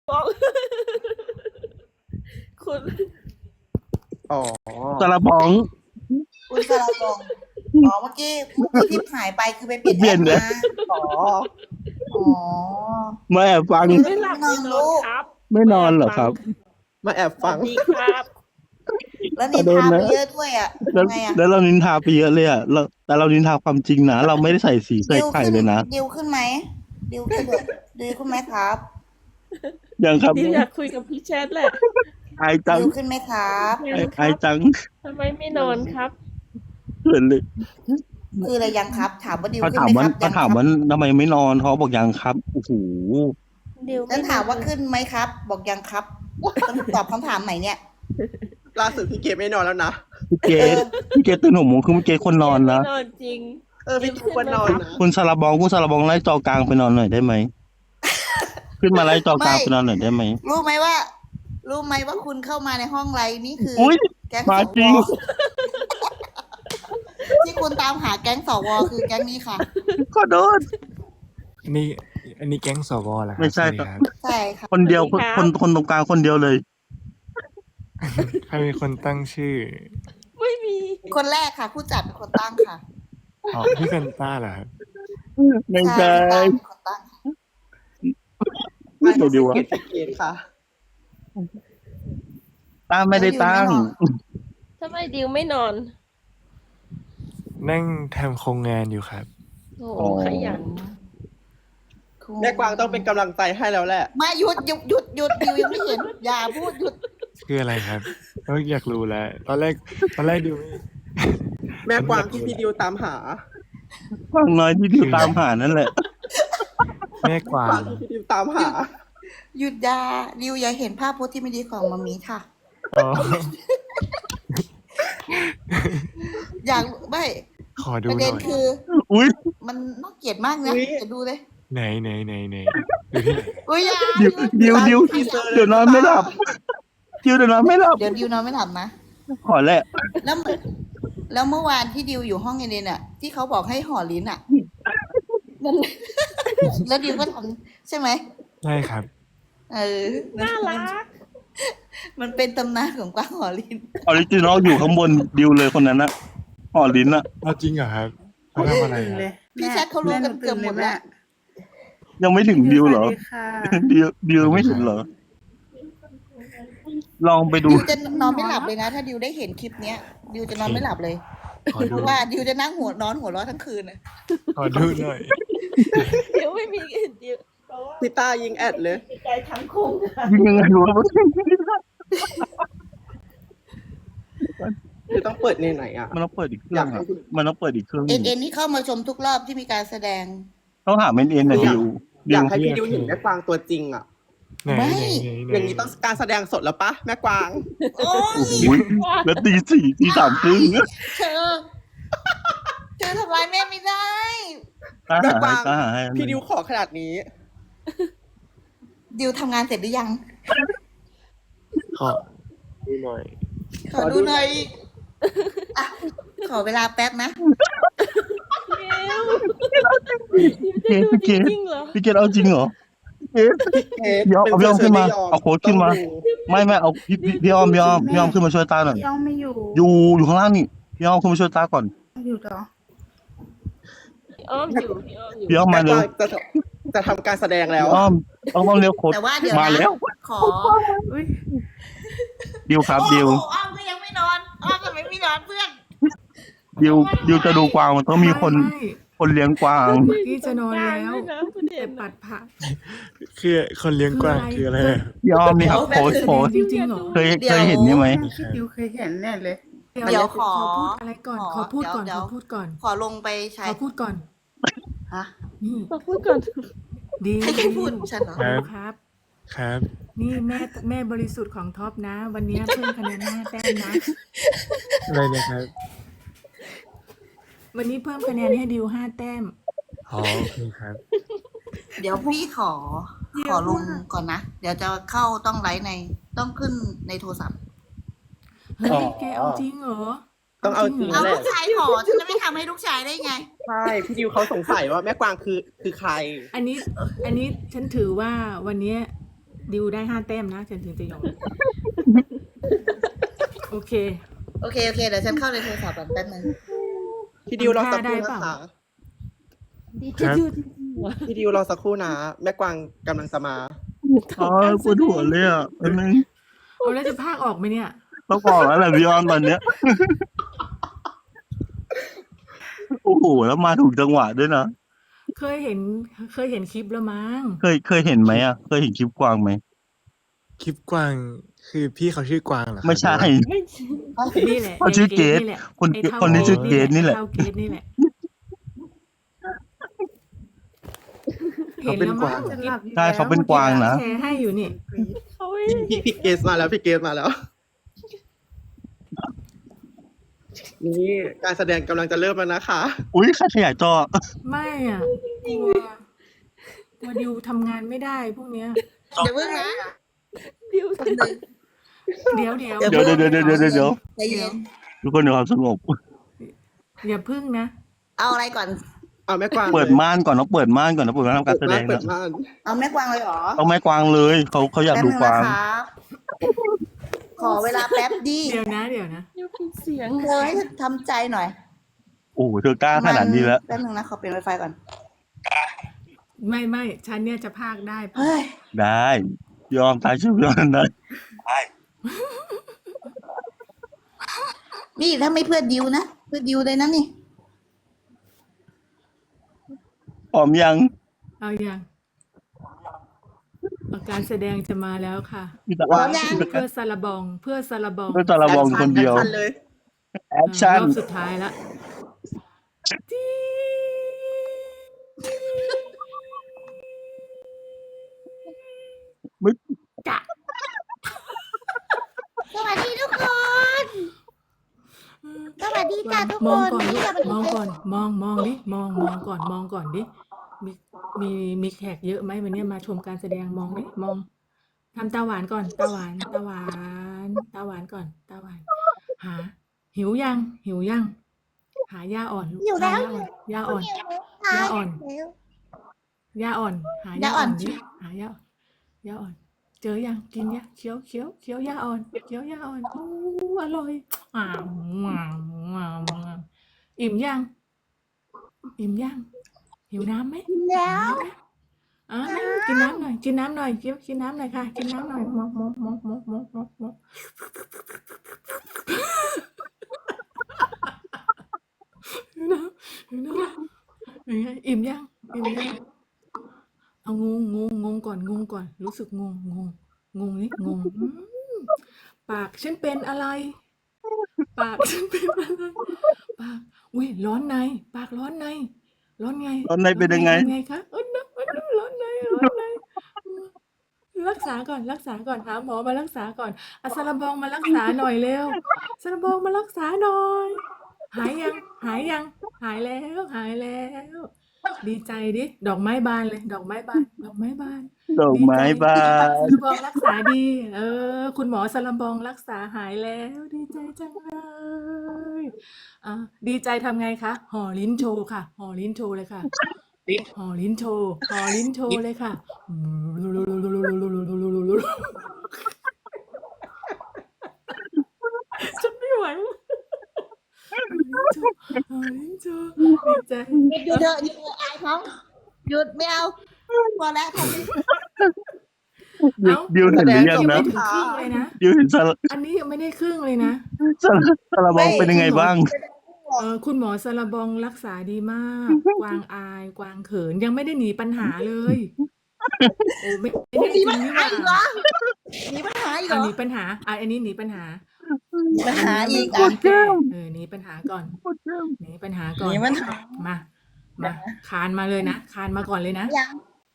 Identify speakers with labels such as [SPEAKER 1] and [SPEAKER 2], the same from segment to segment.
[SPEAKER 1] บอกคุณ
[SPEAKER 2] อ๋อ
[SPEAKER 3] ซาลาบอง
[SPEAKER 4] คุณสระกงอ๋อเมื่อกี้ที่หายไปคือไปเปลี่ยน
[SPEAKER 3] เปลี่
[SPEAKER 4] แอย
[SPEAKER 3] น
[SPEAKER 4] ป
[SPEAKER 3] แอ
[SPEAKER 4] มา
[SPEAKER 3] ป
[SPEAKER 4] อ๋ออ๋อ
[SPEAKER 3] มาแอบฟัง
[SPEAKER 1] ไม่หลับไม่นอนครับ
[SPEAKER 3] ไม่นอนเหรอครับ
[SPEAKER 2] มาแอบ
[SPEAKER 1] สวั
[SPEAKER 2] ฟั
[SPEAKER 1] ส
[SPEAKER 2] ง
[SPEAKER 1] ดีครับ
[SPEAKER 4] แล้วนินทาไปเยอะด้วยอ่ะ
[SPEAKER 3] แล้ว
[SPEAKER 4] ทำไงอ่ะ
[SPEAKER 3] แล้วเรานินทาไปเยอะเลยอ่ะแต่เรานินทาความจริงนะเราไม่ได้ใส่สีใส่
[SPEAKER 4] ดิว
[SPEAKER 3] ไข่
[SPEAKER 4] ขึ้น
[SPEAKER 3] เลยนะ
[SPEAKER 4] ดิวขึ้นไหมดิวขึ้นดิวขึ้นไหมครับ
[SPEAKER 3] ยังครับ
[SPEAKER 1] ดิวอยากคุยกับพี่แชทแหละ
[SPEAKER 3] ไอายจัง
[SPEAKER 4] ดิวขึ้นไหมครับ
[SPEAKER 1] ยังค
[SPEAKER 3] ไอา
[SPEAKER 1] รั
[SPEAKER 3] ย
[SPEAKER 1] บ
[SPEAKER 3] จัง
[SPEAKER 1] ทำไมไม่นอนครับ
[SPEAKER 3] เขินเลย
[SPEAKER 4] คืออะไรยังครับ ถามว่าดิว
[SPEAKER 3] เขา
[SPEAKER 4] ขึ้น
[SPEAKER 3] ถาม
[SPEAKER 4] ไหม
[SPEAKER 3] ว่า
[SPEAKER 4] ครับ
[SPEAKER 3] เขา
[SPEAKER 4] ยังค
[SPEAKER 3] ถาม
[SPEAKER 4] รับ
[SPEAKER 3] ว่าทำไมไม่นอนเขาบอกยังครับโอ้โห
[SPEAKER 1] ดิว
[SPEAKER 4] แล้วถามว่าขึ้นไหมครับ บอกยังครับต้องตอบคำถามไหนเนี่ย
[SPEAKER 2] ล่าสุดพี่เกมไม่นอนแล้วนะ
[SPEAKER 3] พี่เกดพี่เกดตื่น6 โมงคือพี่เกดคนนอนนะ
[SPEAKER 1] ไม่นอนจริง
[SPEAKER 2] พี่เกมควรนอนนะ
[SPEAKER 3] คุณซาลาบองไล่จอกลางไปนอนหน่อยได้ไหม ขึ้นมาไล่จอกลางไปนอนหน่อยได้ไหม
[SPEAKER 4] รู้ไหมว่าคุณเข้ามาในห้องไลน์นี่คือ
[SPEAKER 3] อุ๊ย
[SPEAKER 4] แก๊ง
[SPEAKER 3] มา
[SPEAKER 4] ส
[SPEAKER 3] จริ
[SPEAKER 4] ว
[SPEAKER 3] ง
[SPEAKER 4] ที่คุณตามหาแก๊งสวคือแก๊งนี้ค่ะ
[SPEAKER 3] ขอโทษ
[SPEAKER 5] อันนี้แก๊งสวเหรอครับ
[SPEAKER 3] ไม่ใช่
[SPEAKER 5] สวัสดี
[SPEAKER 3] ครับ
[SPEAKER 4] ใช่ค่ะ
[SPEAKER 3] คนเดียว
[SPEAKER 1] สวัสดีครับ
[SPEAKER 3] คนตรงกลางคนเดียวเลย
[SPEAKER 5] ใครเป็นคนตั้งชื่อ
[SPEAKER 1] ไม่มี
[SPEAKER 4] คนแรกค่ะ ผู้จัดเป็นคนตั้งค่ะ
[SPEAKER 5] อ๋อพี่เฟนต้าเหรอครับ
[SPEAKER 3] ไม่
[SPEAKER 4] ใช่
[SPEAKER 3] ใช่
[SPEAKER 4] เป็นคนตั้งค่ะ
[SPEAKER 3] ไม่ตัวเดียววะ
[SPEAKER 2] เกตพี่เกมค่ะ
[SPEAKER 3] ตั้งไม่ได้ตั้ง
[SPEAKER 1] ทำไมดิวไม่นอน
[SPEAKER 5] นั่งทำโครงงานอยู่ครับ
[SPEAKER 1] โอ้
[SPEAKER 3] อ๋อ
[SPEAKER 1] ขยัน
[SPEAKER 2] แม่กวางต้องเป็นกำลังใจให้แล้วแหละ
[SPEAKER 4] มาหยุดดิวยังไม่เห็น อย่าพูดหยุด
[SPEAKER 5] คืออะไรครับอยากรู้แล้ว ตอนแรกดูไม่
[SPEAKER 2] แม่กวางที่พี่ดิวตามหา
[SPEAKER 3] ฟังน้อยที่ดิวตามหานั่นแหละ
[SPEAKER 5] แม่กวาก
[SPEAKER 2] วาง
[SPEAKER 5] ง
[SPEAKER 2] ที่พี่ดิวตามหา
[SPEAKER 4] หยุดยาดิวอย่าเห็นภาพโพสต์ที่ไม่ดีของมามีค่ะ
[SPEAKER 5] อ๋อ
[SPEAKER 4] อยากไม่
[SPEAKER 5] ขอดู
[SPEAKER 4] ประ
[SPEAKER 5] ห
[SPEAKER 4] เด็
[SPEAKER 5] น่
[SPEAKER 4] น
[SPEAKER 5] อย
[SPEAKER 4] คือ
[SPEAKER 3] อุ้ย
[SPEAKER 4] มันน่าเกลียดมากนะ
[SPEAKER 2] อุ๊ย
[SPEAKER 4] จะดูเลย
[SPEAKER 5] ไหนดูที่ไหน
[SPEAKER 4] อุ้ยอย่า
[SPEAKER 3] ดิวเดี๋ยวนอนไม่หลับดิวเดี๋ยวนอนไม่หลับ
[SPEAKER 4] เดี๋ยวดิวนอนไม่หลับนะ
[SPEAKER 3] ขอแหละ
[SPEAKER 4] แล้วเมื่อวานที่ดิวอยู่ห้องเอเดนอ่ะ ที่เขาบอกให้ห่อลิ้นอ่ะนั่น แล้วดิวก็ทำใช่ไหม
[SPEAKER 5] ใช่ครับ
[SPEAKER 4] เออ
[SPEAKER 1] น่ารัก
[SPEAKER 4] มันเป็นตำนานของกวางห่อลิ้น
[SPEAKER 3] ออริจินอลอยู่ข้างบนดิวเลยคนนั้นนะห่อลิ้นอะ
[SPEAKER 5] เอาจริงเหรอครับเขาทำอะไรครับ
[SPEAKER 4] พี่แชทเขารู้กันเกือบหมดแล้ว
[SPEAKER 3] ยังไม่ถึงดิวเหรอ ดิวไม่ถึงเหรอ ลองไปดู
[SPEAKER 4] ดิวจะนอนไม่หลับเลยนะ ถ้าดิวได้เห็นคลิปเนี้ย ดิวจะนอนไม่หลับเลย
[SPEAKER 5] ขอ
[SPEAKER 4] เพ
[SPEAKER 5] ดู
[SPEAKER 4] ราะว่าดิวจะนั่งหัวเราะทั้งคืนน่ะ
[SPEAKER 5] ขอดูหน่อย
[SPEAKER 1] เดี๋ยวไม่มีดิวเพราะว่า
[SPEAKER 2] พี่ต้ายิงแอดเลย
[SPEAKER 1] ใจทั้งคุ้งค่ะ
[SPEAKER 3] ยิงยังไงวะ
[SPEAKER 2] คือต้องเปิดในไหนอ่ะ
[SPEAKER 3] มันต้องเปิดอีกเครื่องอะมันต้องเปิดอีกเครื่องห
[SPEAKER 4] เอ็
[SPEAKER 3] นึ่
[SPEAKER 4] น
[SPEAKER 3] ง
[SPEAKER 4] เอ็นนี่เข้ามาชมทุกรอบที่มีการแสดง
[SPEAKER 3] ต้องหาเมนเอ็นนะดิว
[SPEAKER 2] อยากให้พี่ดิวเห็นแม่กวางตัวจริงอ่ะ
[SPEAKER 5] ไหน
[SPEAKER 4] ไม่
[SPEAKER 2] อย่างนี้ต้องการแสดงสดแล้วปะแม่กวาง
[SPEAKER 4] โอ้ย
[SPEAKER 3] อุ๊ยแล้วตี 4 ตี 3ครึ่ง
[SPEAKER 4] เธอทำร้ายแม่ไม่ได้
[SPEAKER 3] ตาหาให้
[SPEAKER 2] พี่ดิวขอขนาดนี้
[SPEAKER 4] ดิวทำงานเสร็จหรือยัง
[SPEAKER 5] ขอดูหน่อย
[SPEAKER 4] ขอดูหน่อยอ่ะขอเวลาแป๊บนะ
[SPEAKER 1] ดิวดิวจะดู
[SPEAKER 3] พี่เก
[SPEAKER 1] จ
[SPEAKER 3] ด
[SPEAKER 1] ริงๆเหรอ
[SPEAKER 3] พี่เกดเอาจริงเหรอเอ๊ะ
[SPEAKER 2] เอ๊ะ
[SPEAKER 3] ยอม
[SPEAKER 2] เป็น
[SPEAKER 3] เอาพี่อ้อมขึ้นมา
[SPEAKER 2] เสื
[SPEAKER 3] เอาโค้ดขึ้นมา
[SPEAKER 2] ต้องดู
[SPEAKER 3] ไม่เอาพี่อ้อมขึ้นมาช่วยตาหน่อย
[SPEAKER 6] พี่อ้อมไม่อยู่
[SPEAKER 3] อยู่ข้างล่างนี่พี่อ้อมขึ้นมาช่วยตาก่อน
[SPEAKER 6] อยู่เหรอ
[SPEAKER 1] พี่อ้อมอยู่พี่อ้อมอยู่
[SPEAKER 3] พี่อ้อม
[SPEAKER 2] แม่
[SPEAKER 3] มาก เร็ว
[SPEAKER 2] วางจะทำการแสดงแล้ว
[SPEAKER 3] พี่อ้อมเร็วโค้ด
[SPEAKER 4] แต่ว่าเดี๋ยว
[SPEAKER 3] มา
[SPEAKER 4] นะ
[SPEAKER 3] แล้ว
[SPEAKER 4] ขอ
[SPEAKER 6] อุ้ย
[SPEAKER 3] ดิวครับ
[SPEAKER 4] โอ้
[SPEAKER 3] ดิว
[SPEAKER 4] โหอ้อมก็ยังไม่นอนอ้อมก็ไม่นอนเพื่อน
[SPEAKER 3] ดิวจะดูกวางมันต้องมีคนเลี้ยงกวาง
[SPEAKER 6] พี่จะนอนแล้ว
[SPEAKER 1] ด้วยนะประเด็
[SPEAKER 6] แต่
[SPEAKER 1] น
[SPEAKER 6] ปัดผัก
[SPEAKER 5] คือคนเลี้ยงกวางคืออะไรอะ
[SPEAKER 3] พี่อ้อมนี่ครับโค้ด
[SPEAKER 6] จริงๆเหรอ
[SPEAKER 3] เคยเห็นนี่ไหม
[SPEAKER 6] พี่ดิวเคยเห็นแน่เลย
[SPEAKER 4] เดี๋ยวขอ
[SPEAKER 6] พูดอะไรก่อน ขอพูดก่อน
[SPEAKER 4] เดี๋
[SPEAKER 6] ข
[SPEAKER 4] ยว
[SPEAKER 6] อพูดก่อน
[SPEAKER 4] ขอลงไปใช้
[SPEAKER 6] ขอพูดก่อน
[SPEAKER 4] ฮะ
[SPEAKER 6] นี่
[SPEAKER 1] มาพูดก่อน
[SPEAKER 6] ดี
[SPEAKER 4] ให้ใครพูดฉันเหรอ
[SPEAKER 6] ครับ
[SPEAKER 5] ครับ
[SPEAKER 6] นี่แม่บริสุทธิ์ของท็อปนะ วันนี้เพิ่มคะแนน5 แต้มนะ
[SPEAKER 5] อะไรนะครับ
[SPEAKER 6] วันนี้เพิ่มคะแนนให้ดิว5 แต้ม
[SPEAKER 5] อ๋อโอเคครับ
[SPEAKER 4] เดี๋ยวพี่ขอลงก่อนนะ เดี๋ยวจะเข้าต้องไลฟ์ต้องขึ้นในโทรศัพท์
[SPEAKER 6] เฮ้ยแกเอาจริงเหรอ
[SPEAKER 2] ต้องเอาจริง
[SPEAKER 4] เอา
[SPEAKER 2] แหละ
[SPEAKER 4] ลูกชายขอฉันจะไม่ทำให้ลูกชายได้ไง
[SPEAKER 2] ใช่พี่ดิวเขาสงสัยว่าแม่กวางคือใคร
[SPEAKER 6] อันนี้ฉันถือว่าวันนี้ดิวได้5 แต้มนะฉันถึงจะยอมโอเค
[SPEAKER 4] โอเคเดี๋ยวฉันเข้าในโทรศัพท์ก่อนแป๊บนึง
[SPEAKER 2] พี่ดิวรอสักค
[SPEAKER 6] ได้
[SPEAKER 2] รู่
[SPEAKER 6] เปล่า
[SPEAKER 2] นะคะ
[SPEAKER 1] ดีจะดูจริงๆว่ะ
[SPEAKER 2] พี่ดิวรอสักครู่นะแม่กวางกำลังจะมา
[SPEAKER 3] อ๋อปวดหัวเลยอ่ะอันนึง
[SPEAKER 6] เอาแล้วจะพากออกไหมเนี่ย
[SPEAKER 3] ต้องบอกแล้วแหละพี่ออนตอนเนี้ยโอ้โหแล้วมาถูกจังหวะด้วยนะ
[SPEAKER 6] เคยเห็นคลิปแล้วมั้ง
[SPEAKER 3] เคยเห็นไหมอ่ะเคยเห็นคลิปกวางไหม
[SPEAKER 5] คลิปกวางคือพี่เขาชื่อกวางเหรอครับ
[SPEAKER 3] ไม่ใช่
[SPEAKER 5] หรือว่า
[SPEAKER 1] ไม่ใช่
[SPEAKER 6] นี่แหละ
[SPEAKER 3] เขาชื่อเกรท
[SPEAKER 6] นี่แหละ
[SPEAKER 3] คน
[SPEAKER 6] ไอ้เท่า
[SPEAKER 3] คนนี้ชื่อเกรทนี่แหละ
[SPEAKER 6] ไอ้เท่าเกรทนี่แหละ
[SPEAKER 5] เขาเป็นกวาง
[SPEAKER 6] ห็แล้มั้
[SPEAKER 3] ใช่เขาเป็นกวางนะ
[SPEAKER 6] แชร์ให้อยู่นี่
[SPEAKER 1] เขาไม่
[SPEAKER 2] พี่เกสมาแล้วพี่เกสมาแล้ว นี่การแสดงกำลังจะเริ่มแล้วนะคะ
[SPEAKER 3] อุ้ยใครขยายจอ
[SPEAKER 6] ไม่อ่ะตัวดิวทำงานไม่ได้พวกเนี้ย
[SPEAKER 4] เดี๋ยวเพิ่งนะ
[SPEAKER 1] ดิว
[SPEAKER 4] คนหนึ่ง
[SPEAKER 6] เดี๋ยว
[SPEAKER 3] เดี๋ยว
[SPEAKER 4] ใจเย็น
[SPEAKER 3] ทุกคนเดี๋ยวความสงบ
[SPEAKER 6] อย่าพึ่งนะ
[SPEAKER 4] เอาอะไรก่อน
[SPEAKER 2] เอาแม่กวาง
[SPEAKER 3] เปิดม่านก่อนต้องเปิดม่านก่อนนะเปิดม่านทำการแสดง
[SPEAKER 2] เปิ
[SPEAKER 3] นะ
[SPEAKER 2] ดม่าน
[SPEAKER 4] เอาแม่กวางเลยเหรอ
[SPEAKER 3] เอาไม้กวางเลยเขาอยากดูกวาง
[SPEAKER 4] แป๊บนึนะคะขอเวลาแป๊บดี
[SPEAKER 6] เดี๋ยวนะ
[SPEAKER 1] ดิวเป็นเสียง
[SPEAKER 4] เธอให้ทำใจหน่อย
[SPEAKER 3] โอ้โหเธอกล้าขนาดนี้แล้ว
[SPEAKER 4] แป๊บนึงนะขอเปลี่ยน Wi-Fi ก่อน
[SPEAKER 6] ไม่ฉันเนี่ยจะพากได้
[SPEAKER 4] เฮ้ย
[SPEAKER 3] ได้ยอมตายชื่อยอมได้
[SPEAKER 4] นี่ถ้าไม่เพื่อดิวนะ เพื่อดิวเลยนะนี่
[SPEAKER 3] พร้อมยัง
[SPEAKER 6] เอาอย่างการแสดงจะมาแล้วค่ะ
[SPEAKER 3] พี่ตะ
[SPEAKER 4] พร้
[SPEAKER 3] วั
[SPEAKER 4] อน มยัง
[SPEAKER 6] เพื่อซาลาบอง เพื่อซาลาบอง
[SPEAKER 3] เพื่อตะระบองคนเดียว
[SPEAKER 2] แอคชั่นเลย
[SPEAKER 3] แอคชั่น
[SPEAKER 6] รอบสุดท้ายละ
[SPEAKER 3] ไม่
[SPEAKER 4] สวัสดีทุกคน สวัสดีจ้าทุก
[SPEAKER 6] ม
[SPEAKER 4] ค
[SPEAKER 6] อง
[SPEAKER 4] น
[SPEAKER 6] ก่อน
[SPEAKER 4] นี่
[SPEAKER 6] ลูก
[SPEAKER 4] จะเป็น
[SPEAKER 6] มองก่อนมองดิมองก่อนดิมีแขกเยอะไหมวันนี้มาชมการแสดงมองดิมองทำตาหวานก่อนตาหวานก่อนตาหวานหาหิวยังหาย่าอ่อนลูก
[SPEAKER 4] หิวแล้ว
[SPEAKER 6] ย่าอ่อน หาย่าอ่อนดิหาย่าอ่อน เจอยังกินยังเคี้ยวย่าอ่อนอู้อร่อยอิ่มยังหิวน้ำไหม
[SPEAKER 4] แล้ว
[SPEAKER 6] นั่งกินน้ำหน่อยกินน้ำหน่อยค่ะกินน้ำหน่อยมอกหิวน้ำเป็นไงอิ่มยังเอางงก่อนรู้สึกงนี่ปากฉันเป็นอะไรปากอุ้ยร้อนในปากร้อนในร้อนไง
[SPEAKER 3] ตอนในเป็นยังไง
[SPEAKER 6] คะร้อนในรักษาก่อนหาหมอมารักษาก่อนเอาซาลาบองมารักษาหน่อยเร็วซาลาบองมารักษาหน่อยหายยังหายแล้ว ดีใจดิดอกไม้บานเลยดอกไม้บาน
[SPEAKER 3] ดอกไม้บาน
[SPEAKER 6] ซาลาบองรักษาดีคุณหมอซาลาบองรักษาหายแล้วดีใจจังเลยดีใจทำไงคะห่อลิ้นโชว์ค่ะห่อลิ้นโชว์เลยค่ะห่อลิ้นโชว์เลยค่ะฉันไม่ไหวห่อลิ้นโชว์ดีใจ
[SPEAKER 4] หยุดเถอะอายเขาหยุดไม่เอาพอแล้วทำไม
[SPEAKER 3] ดิวเห็นหรือยัง
[SPEAKER 6] ยัง
[SPEAKER 3] นะ
[SPEAKER 6] ไม่ถึงครึ่งเลยนะ
[SPEAKER 3] ดิวเห็น
[SPEAKER 6] อันนี้ยังไม่ได้ครึ่งเลยนะ
[SPEAKER 3] ซาลาบองเป็นยังไงบ้าง
[SPEAKER 6] คุณหมอซาลาบองรักษาดีมาก กวางอายกวางเขินยังไม่ได้หนีปัญหาเลยโอ้ไม่ได้
[SPEAKER 4] มี
[SPEAKER 6] จริ
[SPEAKER 4] ปัญ
[SPEAKER 6] งนี่
[SPEAKER 4] หา
[SPEAKER 6] หว่า
[SPEAKER 4] อีกเหรอมีปัญหาอีกเหรอ
[SPEAKER 6] หนีปัญหาอันนี้หนีปัญหา
[SPEAKER 4] มีปัญหาอีก
[SPEAKER 6] ก่อ
[SPEAKER 4] อ่ะ
[SPEAKER 6] นแก้หนีปัญหาก่อนหนีปัญหาก่อน
[SPEAKER 4] มีปัญหา
[SPEAKER 6] มาคานมาเลยนะคานมาก่อนเลยนะ
[SPEAKER 4] ยัง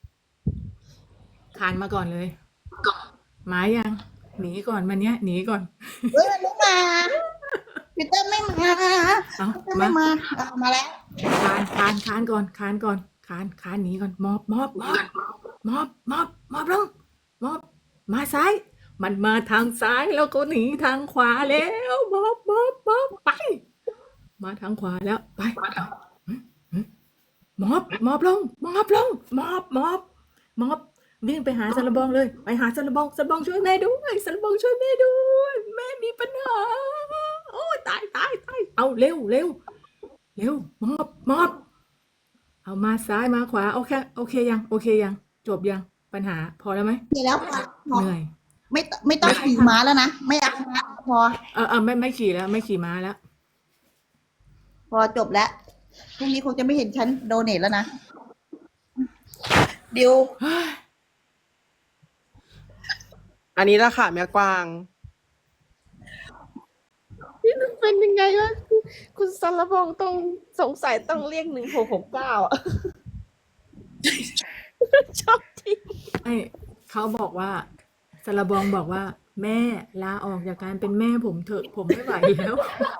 [SPEAKER 6] คานมาก่อนเลยมายังหนีก่อนมันเนี้ยหนีก่อน
[SPEAKER 4] เฮ้ยมันไม่มาพีเตอร์ไม่มา
[SPEAKER 6] เอา
[SPEAKER 4] พีเตอร์ไม่มามาแล้ว
[SPEAKER 6] คานก่อนคานหนีก่อนมอบลงมอบมาซ้ายมันมาทางซ้ายแล้วก็หนีทางขวาแล้วมอบไปมาทางขวาแล้วไปมอบลงวิ่งไปหาสารบองเลยไปหาสารบองช่วยแม่ด้วยสารบองช่วยแม่ด้วยแม่มีปัญหาโอ้ยตายเอาเร็วมอบเอามาซ้ายมาขวาโอเคยังจบยังปัญหาพอแล้วไหม
[SPEAKER 4] เสร็จแล้วพอ
[SPEAKER 6] เหนื่อย
[SPEAKER 4] ไม่ต้องขี่ม้าแล้วนะไม่เอาม้าพอ
[SPEAKER 6] ไม่ขี่แล้วไม่ขี่ม้าแล้ว
[SPEAKER 4] พอจบแล้วพรุ่งนี้คงจะไม่เห็นฉันโดเนทแล้วนะดิว
[SPEAKER 2] อันนี้ละค่ะแม่กวาง
[SPEAKER 1] นี่มันเป็นยังไงวะคุณสารบองต้องสงสัยต้องเรียก1669อ่ะ ชอบที่
[SPEAKER 6] เขาบอกว่าสารบองบอกว่า แม่ลาออกจากการเป็นแม่ผมเถอะผมไม่ไหวแล้ว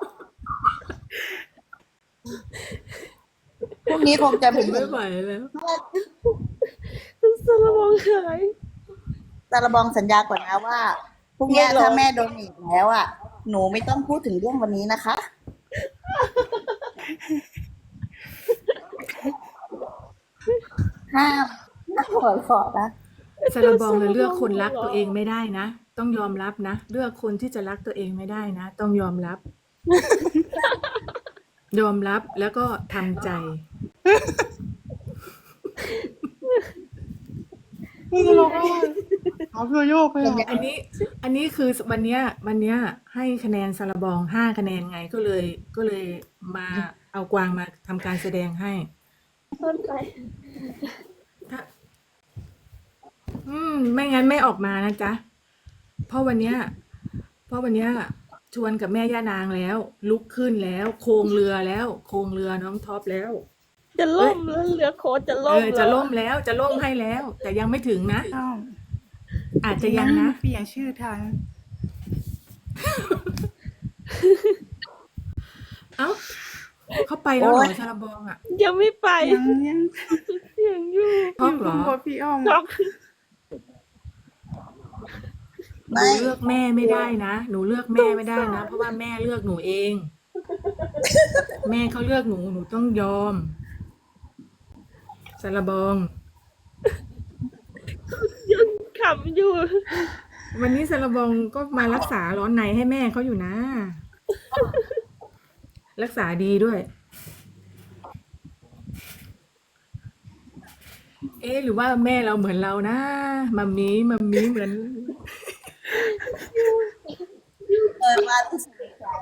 [SPEAKER 4] พรุ่งนี้คงจะ
[SPEAKER 6] ผ
[SPEAKER 4] เห็
[SPEAKER 6] ม
[SPEAKER 4] น
[SPEAKER 6] ไม่ไหวแล้ว
[SPEAKER 1] คุณสารบองหาย
[SPEAKER 4] ตาลบองสัญญาก่อนนะว่าพรุ่งนี้ถ้าแม่โดนอีกแล้วอ่ะหนูไม่ต้องพูดถึงเรื่องวันนี้นะคะห้ามหัวเราะนะ
[SPEAKER 6] สารบองเลือกคนรักตัวเองไม่ได้นะต้องยอมรับนะเลือกคนที่จะรักตัวเองไม่ได้นะต้องยอมรับ ยอมรับแล้วก็ทำใจ
[SPEAKER 2] เขาเพื่อโยกไป
[SPEAKER 6] อันนี้คือวันเนี้ยให้คะแนนสารบอง5 คะแนนไงก็เลยมาเอากวางมาทำการแสดงให้
[SPEAKER 1] ต้นใจ
[SPEAKER 6] ถ้าไม่งั้นไม่ออกมานะจ๊ะเพราะวันเนี้ยชวนกับแม่ย่านางแล้ว ลุกขึ้นแล้วโครงเรือน้องท็อปแล้ว
[SPEAKER 1] จะล่มแล้วเรือโค้ดจะล่ม
[SPEAKER 6] จะล่มแล้วจะล่มให้แล้ว แต่ยังไม่ถึงนะ อาจจะยังนะ
[SPEAKER 7] เปลี่ยนชื่อทัน
[SPEAKER 6] เอ้าเขาไปแล้วเหรอสารบองอ่ะ
[SPEAKER 1] ยังไม่ไป
[SPEAKER 7] ยัง
[SPEAKER 1] เสียงอยู่
[SPEAKER 6] ท็อปเหรอ
[SPEAKER 7] โคตรพี่อ้อม
[SPEAKER 1] ช็อก
[SPEAKER 6] หนูเลือกแม่ไม่ได้นะหนูเลือกแม่ไม่ได้นะเพราะว่าแม่เลือกหนูเอง แม่เขาเลือกหนูต้องยอมสารบอง
[SPEAKER 1] ยังขำอยู่
[SPEAKER 6] วันนี้สารบองก็มารักษาร้อนในให้แม่เขาอยู่นะ รักษาดีด้วย หรือว่าแม่เราเหมือนเรานะมัมมี่เหมือน
[SPEAKER 4] มาที่สุด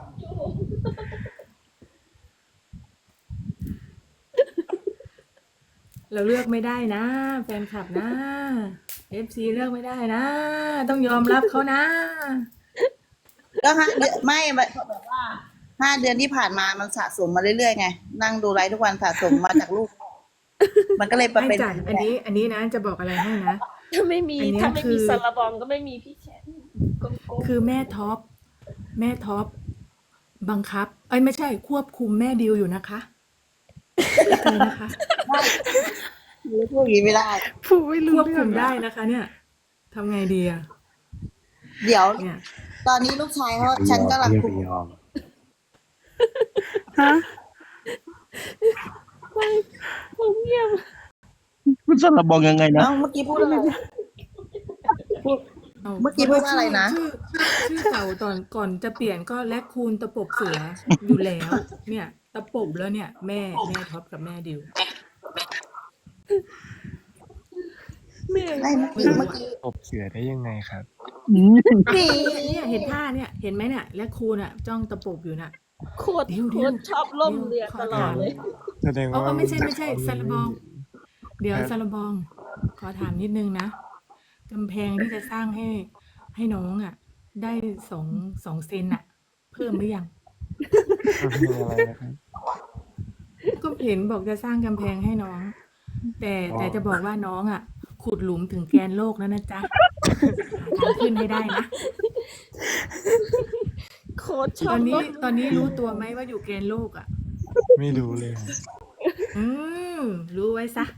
[SPEAKER 6] เราเลือกไม่ได้นะแฟนคลับนะ FC เลือกไม่ได้นะ ต้องยอมรับเขานะ
[SPEAKER 4] ก็5 เดือนไม่แบบว่า5 เดือนที่ผ่านมามันสะสมมาเรื่อยๆไงนั่งดูไลฟ์ทุกวันสะสมมาจากลูก มันก็เลย
[SPEAKER 6] ไม่
[SPEAKER 4] เป็น
[SPEAKER 6] จัดอันนี้นะจะบอกอะไรให้นะ
[SPEAKER 1] ถ้าไม่มี
[SPEAKER 6] อันเนี้ย
[SPEAKER 1] ถ้าไม่
[SPEAKER 6] คื
[SPEAKER 1] มี
[SPEAKER 6] อ
[SPEAKER 1] สารบองก็ไม่มีพี่แชมป์โกโก้
[SPEAKER 6] คือแม่ท็อปบังคับไม่ใช่ควบคุมแม่ดิวอยู่นะคะอะไรนะคะ
[SPEAKER 4] พูดอย่างนี้ไม่ได้
[SPEAKER 7] พูดไม่รู้
[SPEAKER 6] ควบ
[SPEAKER 7] เรื่
[SPEAKER 6] คุ
[SPEAKER 7] อง
[SPEAKER 6] มได้นะคะเนี่ยทำไงดีอะ
[SPEAKER 4] เดี๋ยว
[SPEAKER 6] เนี่ย
[SPEAKER 4] ตอนนี้ลูกชายเขาฉันกำลังคุม
[SPEAKER 7] ฮะ
[SPEAKER 1] ผมเงียบ
[SPEAKER 3] คุณสารบองยังไงนะ
[SPEAKER 4] เอ้าเมื่อกี้พูดอะไร เมื่อกี้พูดว่าอะไรนะ
[SPEAKER 6] ชื่อเก่าตอนก่อนจะเปลี่ยนก็แลคคูนตะปบเสืออยู่แล้ว เนี่ย ตะปบแล้วเนี่ย แม่ท็อปกับแม่ดิว
[SPEAKER 1] เหนื่อย
[SPEAKER 4] ไม่เมื่อกี้
[SPEAKER 5] ตบเสือได้ยังไงครับ
[SPEAKER 6] เนี่ยเห็นท่าเนี่ยเห็นไหมเนี่ยแลคคูนอ่ะจ้องตะปบอยู่น่ะ
[SPEAKER 1] โคตรชอบล่มเรือตลอดเลย
[SPEAKER 5] แสดงว่า
[SPEAKER 6] ไม่ใช่ซาลาบอง เดี๋ยวซาลาบอง ขอถามนิดนึงนะกำแพงที่จะสร้างให้น้องอ่ะ ได้สองเซนอ่ะ เพิ่มหรือยัง
[SPEAKER 5] มีอะไรนะครับ
[SPEAKER 6] ก็เห็นบอกจะสร้างกำแพงให้น้อง แต่จะบอกว่าน้องอ่ะ ขุดหลุมถึงแกนโลกแล้วนะจ๊ะหาทางขึ้นให้ได้นะ
[SPEAKER 1] โคตรช
[SPEAKER 6] ต
[SPEAKER 1] อ
[SPEAKER 6] อบ นนี้
[SPEAKER 1] ล่ม
[SPEAKER 6] ตอนนี้รู้ตัวไหมว่าอยู่แกนโลกอ่ะ
[SPEAKER 5] ไม่รู้เลยครับ
[SPEAKER 6] รู้ไว้ซะ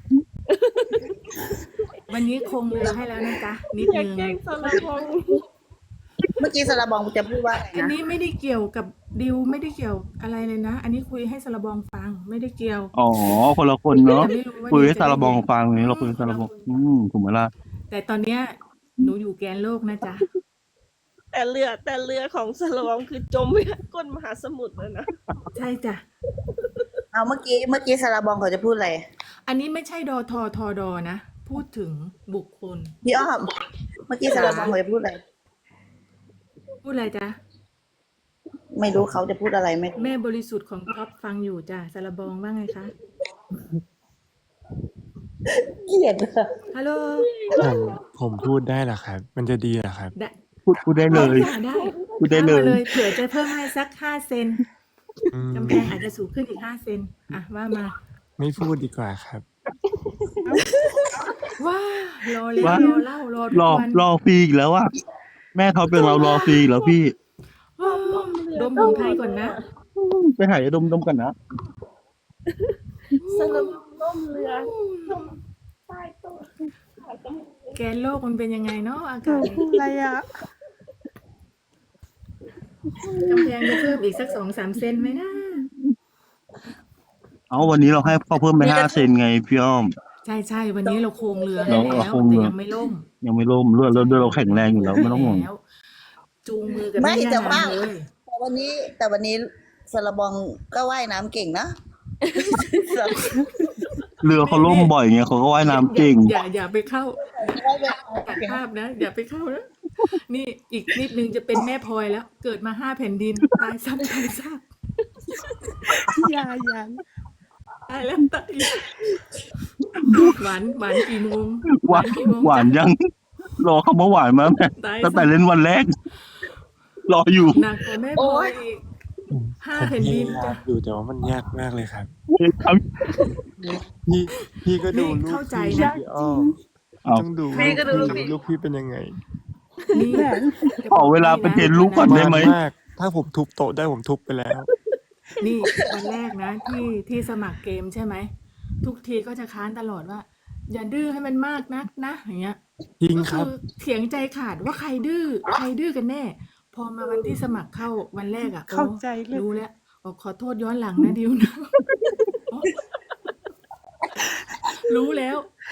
[SPEAKER 6] วันนี้คงเรือให้แล้วนะจ๊ะนิด
[SPEAKER 1] อยาก
[SPEAKER 6] นึง
[SPEAKER 1] แกล้งสารบอง
[SPEAKER 4] เมื่อกี้สระบองจะพูดว่าอะไร
[SPEAKER 6] อัน
[SPEAKER 4] นะ
[SPEAKER 6] นี้ไม่ได้เกี่ยวกับดิวไม่ได้เกี่ยวอะไรเลยนะ อันนี้คุยให้สารบองฟังไม่ได้เกี่ยว
[SPEAKER 3] อ๋อคนละคนเนาะ
[SPEAKER 6] แต่ไม่รู้ว่า
[SPEAKER 3] คุยให้
[SPEAKER 6] ดิวจะ
[SPEAKER 3] สารบอง
[SPEAKER 6] ได้ยิน
[SPEAKER 3] ฟังนี่เราคุยให้สารบองถูกไหมล่ะ
[SPEAKER 6] แต่ตอนเนี้ยหนูอยู่แกนโลกนะจ๊ะ
[SPEAKER 1] แต่เรือของสลองคือจมไปก้นมหาสมุทรเลยนะ
[SPEAKER 6] ใช่จ้ะ
[SPEAKER 4] เอาเมื่อกี้ซาลาบองเขาจะพูดอะไร
[SPEAKER 6] อันนี้ไม่ใช่ดอทอทอดอนะ พูดถึงบุคคล
[SPEAKER 4] พี่อ้อมเมื่อกี้ซาลาบองเขาจะพูดอะไร
[SPEAKER 6] พูดอะไรจ๊ะ
[SPEAKER 4] ไม่รู้เขาจะพูดอะไรไม่รู้
[SPEAKER 6] แม่บริสุทธิ์ของท็อปฟังอยู่จ้ะสารบองว่าไงคะ
[SPEAKER 4] เกลียดอะ
[SPEAKER 6] ฮัลโหล
[SPEAKER 5] ผมพูดได้เหรอครับ มันจะดีเหรอครับ
[SPEAKER 6] ได้
[SPEAKER 3] พูดได้เลย
[SPEAKER 6] ได้
[SPEAKER 3] พูดได้เลย
[SPEAKER 6] อามาเผื่อจะเพิ่มให้สัก5 เซน
[SPEAKER 5] อืม
[SPEAKER 6] กำแพงอาจจะสูงขึ้นอีก5 เซนอ่ะว่ามา
[SPEAKER 5] ไม่พูดดีกว่าครับ
[SPEAKER 6] ว้ารอแล้ว
[SPEAKER 3] ว่า
[SPEAKER 6] รอเล่ารอทุก
[SPEAKER 3] รอ
[SPEAKER 6] วัน
[SPEAKER 3] รอฟรีอีกแล้วอ่ะแม่เขาเป็นเรารอฟรีอีกแล้วพี่
[SPEAKER 6] ว้าวดมของไทยก่อนนะ
[SPEAKER 3] ไปหายดมกันนะ
[SPEAKER 1] สลองล่มเรือจมใต้ต้น
[SPEAKER 6] แกนโลกมันเป็นยังไงเนาะอากาศนี้
[SPEAKER 1] อะไรอ่ะ
[SPEAKER 6] กำแพงจะเพิ่มอีกสัก2-3 เซนไหมนะ
[SPEAKER 3] เอาวันนี้เราให้พ่อเพิ่มไป5 เซนไงพี่อ้อม
[SPEAKER 6] ใช่ใช่วันนี้เราโครงเรือให้
[SPEAKER 3] เรา
[SPEAKER 6] แล้ว
[SPEAKER 3] โครง
[SPEAKER 6] แต่
[SPEAKER 3] เรือ
[SPEAKER 6] ยังไม่ล่ม
[SPEAKER 3] ยังไม่ล่มเลือดเราแข็งแรงอยู่แล้วไม่ต้องห่วง
[SPEAKER 6] แล้วจูงมือกัน
[SPEAKER 4] ไม่
[SPEAKER 6] ไม่
[SPEAKER 4] แต่
[SPEAKER 6] ได้
[SPEAKER 4] ว่า
[SPEAKER 6] เลย
[SPEAKER 4] แต่วันนี้ซาลาบองก็ว่ายน้ำเก่งนะ
[SPEAKER 3] เรือเขาล่มบ่อยไงเขาก็ว่ายน้ำเก่ง
[SPEAKER 6] อย่าไปเข้าตัดภาพนะ อย่าไปเข้านะนี่อีกนิดนึงจะเป็นแม่พลอยแล้ว เกิดมา5 แผ่นดินตายซ้ำตายซาก
[SPEAKER 1] อย่า
[SPEAKER 6] ตายแล้วตายอีกหวานกี่โมง
[SPEAKER 3] หวาน
[SPEAKER 6] กี่โมง
[SPEAKER 3] หวาน
[SPEAKER 6] จ๊ะ
[SPEAKER 3] ยัง รอคำว่าหวานมาตั้งแต่เล่นวันแรก รออยู่
[SPEAKER 6] หนักกว่าแม่พลอยอีก 5 แผ่นดิน
[SPEAKER 5] ผมพยายา
[SPEAKER 6] จ้ะ
[SPEAKER 5] มอยู่แต่ว่ามันยากมากเลยครับ
[SPEAKER 3] ท
[SPEAKER 5] พี่ก็ดู
[SPEAKER 6] นี่
[SPEAKER 5] ลูก
[SPEAKER 6] เข้าใจ
[SPEAKER 5] พี่
[SPEAKER 6] นะ
[SPEAKER 5] พี่อ้อม
[SPEAKER 3] เอา
[SPEAKER 5] ต้องดู
[SPEAKER 4] พี่ก็ดูลูก
[SPEAKER 5] ลูกพี่เป็นยังไง
[SPEAKER 6] นี่
[SPEAKER 3] ขอเวลาไปเทรนลูกก่อนได้ไหม
[SPEAKER 5] มาก ถ้าผมทุบโต๊ะได้ผมทุบไปแล้ว
[SPEAKER 6] นี่วันแรกนะที่สมัครเกมใช่ไหมทุกทีก็จะค้านตลอดว่า อย่าดื้อให้มันมากนักนะอย่างเงี้ย
[SPEAKER 5] จริง
[SPEAKER 6] ก็
[SPEAKER 5] ครั
[SPEAKER 6] คื
[SPEAKER 5] บ
[SPEAKER 6] อเถียงใจขาดว่าใครดื้อกันแน่ พอมาวันที่สมัครเข้าวันแรกอ่ะ
[SPEAKER 1] เข้าใจเลย
[SPEAKER 6] รู้แล้วบอกขอโทษย้อนหลังนะดิวนะ รู้แล้ว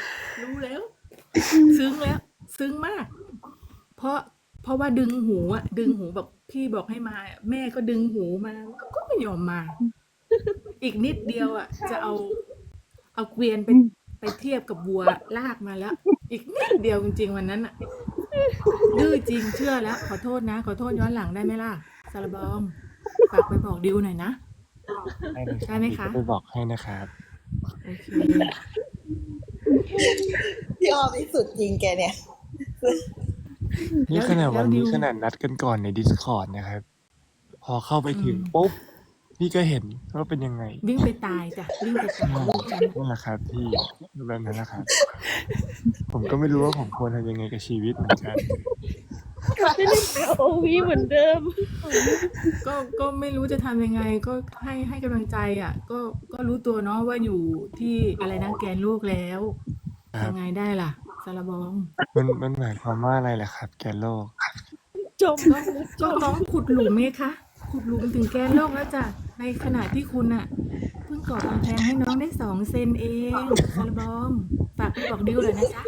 [SPEAKER 6] ซึ้งแล้ว ซึ้งมาก เพราะว่าดึงหูแบบพี่บอกให้มา แม่ก็ดึงหูมาก็ไม่ยอมมา อีกนิดเดียวอ่ะ จะเอาเกวียนไปเทียบกับวัวลากมาแล้ว อีกนิดเดียวจริงๆวันนั้นอ่ะ ดื้อจริงเชื่อแล้ว ขอโทษนะ ขอโทษย้อนหลังได้ไหมล่ะซาลาบองฝากไปบอกดิวหน่อยนะ ได้ไหมคะ
[SPEAKER 5] เดี๋ยวไปบอกให้นะครับ
[SPEAKER 6] โอเค
[SPEAKER 4] พี่อ้อมที่สุดจริงแกเนี่ย
[SPEAKER 5] นี่ขนาดวันนี้
[SPEAKER 6] แล้วดิว
[SPEAKER 5] ขนาดนัดกันก่อนใน Discord นะครับ พอเข้าไปถึงปุ๊บ พี่ก็เห็นว่าเป็นยังไง
[SPEAKER 6] วิ่งไปตายจ้ะวิ่งไปตายลูกฉัน
[SPEAKER 5] นั่นแหละครับพี่แบบนั้นนะครับ ผมก็ไม่รู้ว่าผมควรทำยังไงกับชีวิตเหมือนกัน
[SPEAKER 1] ไม่ได้โอวีเหมือนเดิม
[SPEAKER 6] ก็ไม่รู้จะทำยังไง ก็ให้กำลังใจอ่ะ ก็รู้ตัวเนาะว่าอยู่ที่อะไรนะแกนลูกแล้ว
[SPEAKER 5] ครับ
[SPEAKER 6] ทำไงได้ล่ะซาลาบอง
[SPEAKER 5] มันหมายความว่าอะไรล่ะครับ แกนโลก
[SPEAKER 1] จม
[SPEAKER 6] ก็น้องขุดหลุมไงคะขุดหลุมถึงแกนโลกแล้วจ้ะในขณะที่คุณอ่ะเพิ่งก่อกำแพงให้น้องได้2 เซนเองซาลาบองฝากไปบอกดิวเลยนะจ๊ะ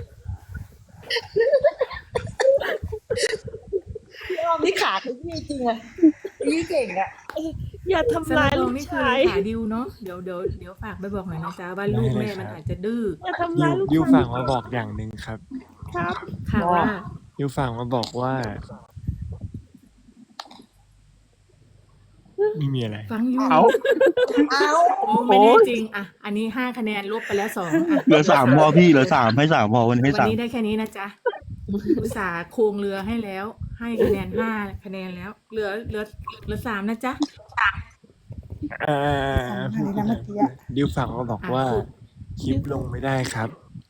[SPEAKER 4] พี่อ้อมนี่ขาคือพี่จริงอะพี่เก่งอะ
[SPEAKER 1] อย่า
[SPEAKER 6] ซา
[SPEAKER 1] ทำร้า
[SPEAKER 6] ลาย บ
[SPEAKER 1] ลู
[SPEAKER 6] อง
[SPEAKER 1] ก
[SPEAKER 6] นี่คือ
[SPEAKER 1] ชาย
[SPEAKER 6] เลขาดิวเนาะเดี๋ยวฝากไปบอกหน่อยนะจ๊ะว่าลูกแม่มันอาจจะดื้อ
[SPEAKER 1] อย่าทำร้ายลูก
[SPEAKER 5] ดิว
[SPEAKER 1] ชาย
[SPEAKER 5] ฝากมาบอกอย่างหนึ่งครับ
[SPEAKER 1] ครับ
[SPEAKER 6] ค่ะว่า
[SPEAKER 5] ดิวฝากมาบอกว่าไม่มีอะไร
[SPEAKER 6] ฟังอยู่
[SPEAKER 3] เอา
[SPEAKER 6] โอ้ไม่แน่จริงอ่ะอันนี้5 คะแนนลบไปแล้ว2อ่ะ
[SPEAKER 3] เหลือ3พอพี่เหลือ3ให้3พอวันนี้ให้
[SPEAKER 6] วันนี้ได้แค่นี้นะจ๊ะอุตส่าห์โครงเรือให้แล้ว ให้คะแนน5 คะแนนแล้ว เหลือ3นะจ๊ะ
[SPEAKER 5] พูดไม่ได้ดิวฝากมาบอกว่า คลิปลงไม่ได้ครับ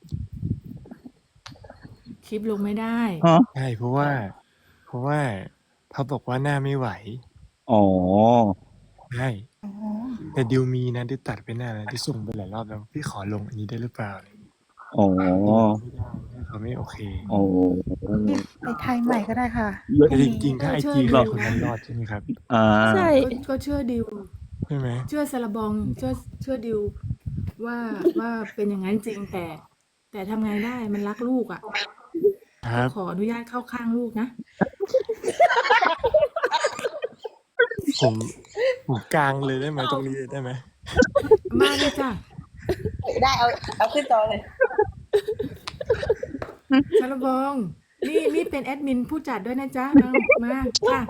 [SPEAKER 6] คลิปลงไม่ได้
[SPEAKER 3] ฮะ
[SPEAKER 5] ใช่เพราะว่าเขาบอกว่าหน้าไม่ไหว
[SPEAKER 3] อ๋อ
[SPEAKER 5] ใช่แต่ดิวมีนะดิวตัดไปหน้าแล้วดิวส่งไปหลายรอบแล้วพี่ขอลงอันนี้ได้หรือเปล่าอะไรอย่างเงี้ย
[SPEAKER 3] อ๋อ
[SPEAKER 5] ไม่ได้เขาไม่โอเค
[SPEAKER 3] อ๋อ
[SPEAKER 7] ไปไทยใหม่ก็ได้ค่ะ
[SPEAKER 5] แต่จริงๆถ้าไอจี
[SPEAKER 6] เชื่อ
[SPEAKER 5] เราคนนั้นรอดใช่ไหมครับ
[SPEAKER 3] อ่า
[SPEAKER 1] ใช่
[SPEAKER 6] ก็เชื่อดิว
[SPEAKER 5] ใช่ไหม
[SPEAKER 6] เชื่อซาลาบองเชื่อดิวว่าเป็นอย่างนั้นจริงแต่ทำไงได้มันรักลูกอ่ะ
[SPEAKER 5] ครับ
[SPEAKER 6] ขออนุญาตเข้าข้างลูกนะ
[SPEAKER 5] ผมกลางเลยได้ไหมตรงนี้ได้ไหม
[SPEAKER 6] มาเลยจ้ะ
[SPEAKER 4] ได้เอาขึ้นจอเลย
[SPEAKER 6] สารบองนี่เป็นแอดมินผู้จัดด้วยนะจ๊ะมาค่ะ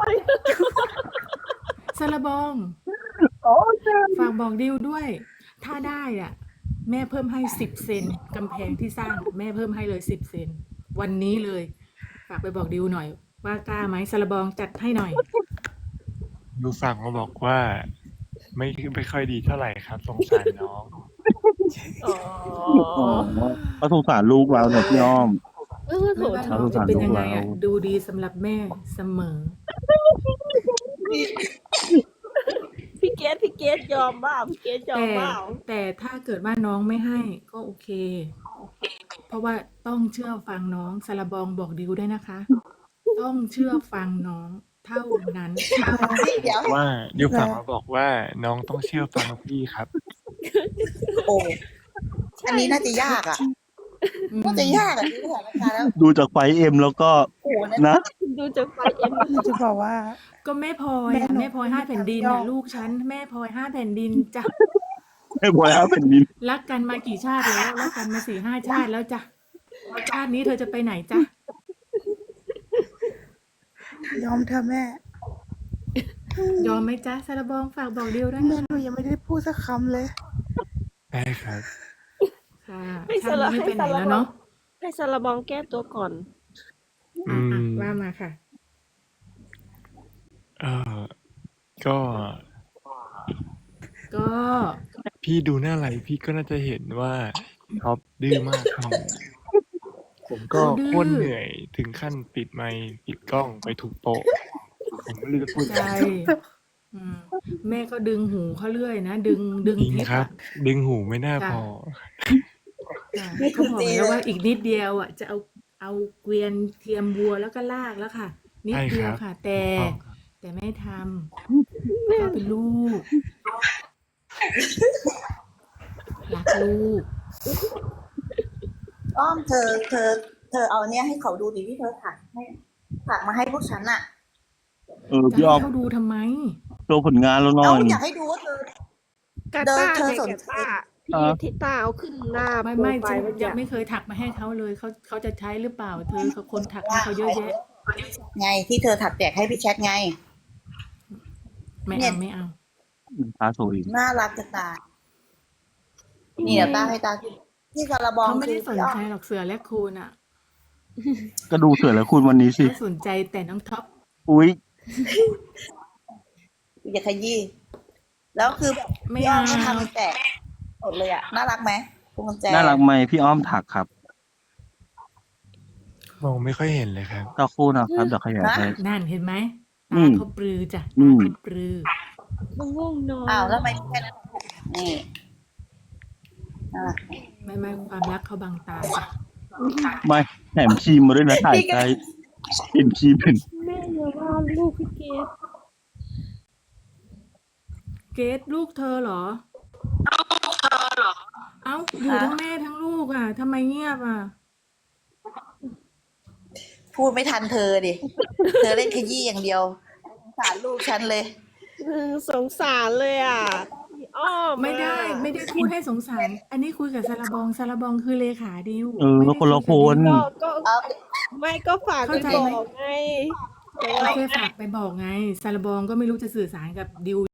[SPEAKER 6] สารบองฝากบอกดิวด้วย ถ้าได้อ่ะ แม่เพิ่มให้10 เซนกำแพงที่สร้างแม่เพิ่มให้เลย10 เซนวันนี้เลย ฝากไปบอกดิวหน่อย ว่ากล้าไหมสารบองจัดให้หน่อย
[SPEAKER 5] ดูฝั่งมาบอกว่า ไม่ค่อยดีเท่าไหร่ครับสงสารน้อง
[SPEAKER 1] อ๋อ
[SPEAKER 3] อ๋อก็สงสารลูกเราเนี่ยพี่อ้อม
[SPEAKER 1] โถ
[SPEAKER 6] ไม่ว่า
[SPEAKER 1] ท
[SPEAKER 6] น้องจะเป็นยังไงอ่ะ ดูดีสำหรับแม่เสมอ
[SPEAKER 1] พี่เกดยอมบ้าพี่เกดยอมบ้า
[SPEAKER 6] แต่ถ้าเกิดว่าน้องไม่ให้ก็โอเค เพราะว่าต้องเชื่อฟังน้องสารบองบอกดิวด้วยนะคะ ต้องเชื่อฟังน้องเท่านั้น
[SPEAKER 4] เดี๋ยว
[SPEAKER 5] ว่าดิวฝั่งมาบอกว่าน้องต้องเชื่อฟังพี่ครับ
[SPEAKER 4] โอ้อันนี้น่าจะยากอ่ะน่าจะยากอ่ะดูสถานการณ์แล้ว
[SPEAKER 3] ดูจากไฟเอ็มแล้วก็
[SPEAKER 4] โอ้นั่น
[SPEAKER 3] นะ
[SPEAKER 1] ดูจากไฟเอ็ม
[SPEAKER 7] จะบอกว่า
[SPEAKER 6] ก็แม่พลอย
[SPEAKER 7] แม่หนู
[SPEAKER 6] แม่พลอย5 แผ่นดิน
[SPEAKER 7] ยอ
[SPEAKER 6] น่ะ
[SPEAKER 7] ม
[SPEAKER 6] ลูกฉันแม่พลอย5 แผ่นดินจ้ะ
[SPEAKER 3] ไม่พอแล้วเป็นดิน
[SPEAKER 6] รักกันมากี่ชาติแล้วรักกันมา4-5 ชาติแล้วจ้ะชาตินี้เธอจะไปไหนจ้ะ
[SPEAKER 7] ยอมเธอะแม่
[SPEAKER 6] ยอมไหมจ๊ะสารบองฝากบอกดิวด้วย
[SPEAKER 7] แม่
[SPEAKER 6] นะ
[SPEAKER 7] หนูยังไม่ได้พูดสักคำเลย
[SPEAKER 5] ได้ครับ
[SPEAKER 6] ค่ะชาตินี้ไม่ไปไหนแล้วเนาะ
[SPEAKER 1] ให้สารบองแก้ตัวก่อน
[SPEAKER 5] อืม
[SPEAKER 6] ว่ามาค่ะ
[SPEAKER 5] เออก็
[SPEAKER 6] ก็
[SPEAKER 5] พี่ดูหน้าไลฟ์พี่ก็น่าจะเห็นว่าท็อปดื้อมากครับผมก็โคตรเหนื่อยถึงขั้นปิดไมค์ปิดกล้องไปถูกโต๊ะผมไม่รู้จะพูดอะไร
[SPEAKER 6] ใช่อืมแม่ก็ดึงหูเขาเรื่อยนะดึง
[SPEAKER 5] จริง
[SPEAKER 6] เพช
[SPEAKER 5] ครับ
[SPEAKER 6] อะ
[SPEAKER 5] ดึงหูไม่น่าพอ
[SPEAKER 6] จ้ะเขาบอกแล้วว่าอีกนิดเดียวอ่ะจะเอาเกวียนเทียมวัวแล้วก็ลากแล้วค่ะ นิดเดียวค่ะ แต่ไม่ทำเขาเป็นลูกรักลูก
[SPEAKER 4] อ้อมเธอเอาเนี่ยให้เขาดูดิที่เธอถักมาให้พวกฉันอ่ะ
[SPEAKER 6] จะ
[SPEAKER 3] พี่อ้อ
[SPEAKER 6] ให้
[SPEAKER 3] ม
[SPEAKER 6] เขาดูทำไม
[SPEAKER 3] โชว์ผลงานแล้วหน่
[SPEAKER 4] เอา
[SPEAKER 3] อย
[SPEAKER 4] อยากให้ดูว่าเธอ
[SPEAKER 1] กาต้า
[SPEAKER 4] เธอ
[SPEAKER 1] เนี่ย
[SPEAKER 4] สน
[SPEAKER 1] กา
[SPEAKER 4] ใจ
[SPEAKER 1] ต้าพี่ทิต้าเอาขึ้นหน้า
[SPEAKER 6] ไม่
[SPEAKER 1] โปร
[SPEAKER 6] ไม่
[SPEAKER 1] ไฟ
[SPEAKER 6] ฉัน
[SPEAKER 1] ล์มัน
[SPEAKER 6] ยั
[SPEAKER 1] จะ
[SPEAKER 6] งไม่เคยถักมาให้เขาเลยเขาจะใช้หรือเปล่า เธอเขาคนถักให้เขาเยอะแยะ
[SPEAKER 4] ไงที่เธอถักแจกให้พี่แชทไง
[SPEAKER 6] ไม่
[SPEAKER 4] เนี่
[SPEAKER 6] เอา
[SPEAKER 4] ย
[SPEAKER 6] ไม่เอา
[SPEAKER 3] ตาโชว์อีก
[SPEAKER 4] น่ารักจะตายนี่เดี๋ยวตาให้ตาที่กระบอง
[SPEAKER 6] เขาไม่
[SPEAKER 4] คื
[SPEAKER 6] ได้
[SPEAKER 4] อ
[SPEAKER 6] สนใจหรอกเสือและคูณอ่ะ
[SPEAKER 3] ก็ดูเสือแล้วคุณวันนี้สิ
[SPEAKER 6] เขาสนใจแต่น้องท็อป
[SPEAKER 3] อุ๊ย
[SPEAKER 4] อย่าขยี้แล้วคือแบบ
[SPEAKER 6] ไม่
[SPEAKER 4] พี่อ้อ
[SPEAKER 6] เอา
[SPEAKER 4] มก็ทำแจกหมดเลยอ่ะน่ารักไหมพวงกุญแจ
[SPEAKER 3] น่ารักไหมพี่อ้อมถักครับ
[SPEAKER 5] มองไม่ค่อยเห็นเลยครับ
[SPEAKER 3] ต่อคู่นะครับเดี๋ยวขยายให้
[SPEAKER 6] นั่นเห็นไหม
[SPEAKER 3] อื
[SPEAKER 6] ตาม เขาปรือจ้ะ
[SPEAKER 3] อื
[SPEAKER 6] ตาม เขาปรือ
[SPEAKER 1] ง่วงนอน
[SPEAKER 4] อ้าวแล้วทำไมแค่นั้นนี่น่ารัก
[SPEAKER 6] ไม่ความรักเขาบังตาจ้ะ
[SPEAKER 3] ไม่แถมครีมมาด้วยนะถ่ายใจเห็นครีมเป็น
[SPEAKER 1] แม่อย่าว่าลูกพี่เกด
[SPEAKER 6] เกดลูกเธอเหรอ เอ้าอยู่ทั้งแม่ทั้งลูกอ่ะทำไมเงียบอ่ะ
[SPEAKER 4] พูดไม่ทันเธอดิ เธอเล่นขยี้อย่างเดียวสงสารลูกฉันเลย
[SPEAKER 1] สงสารเลยอ่ะพี่อ้อม
[SPEAKER 6] ไม่ได้พูดให้สงสาร อันนี้คุยกับซาลาบองคือเลขาดิว
[SPEAKER 3] เออ
[SPEAKER 6] ไม่ได้
[SPEAKER 3] คนละ
[SPEAKER 6] ยกับ
[SPEAKER 3] คน
[SPEAKER 6] ดิว
[SPEAKER 1] ก็
[SPEAKER 4] เอา
[SPEAKER 1] ไม่ก็ฝากไป
[SPEAKER 6] เข้าใจ
[SPEAKER 1] บ
[SPEAKER 6] ไหม
[SPEAKER 1] อกไง
[SPEAKER 6] โอเคฝากไปบอกไงซาลาบองก็ไม่รู้จะสื่อสารกับดิว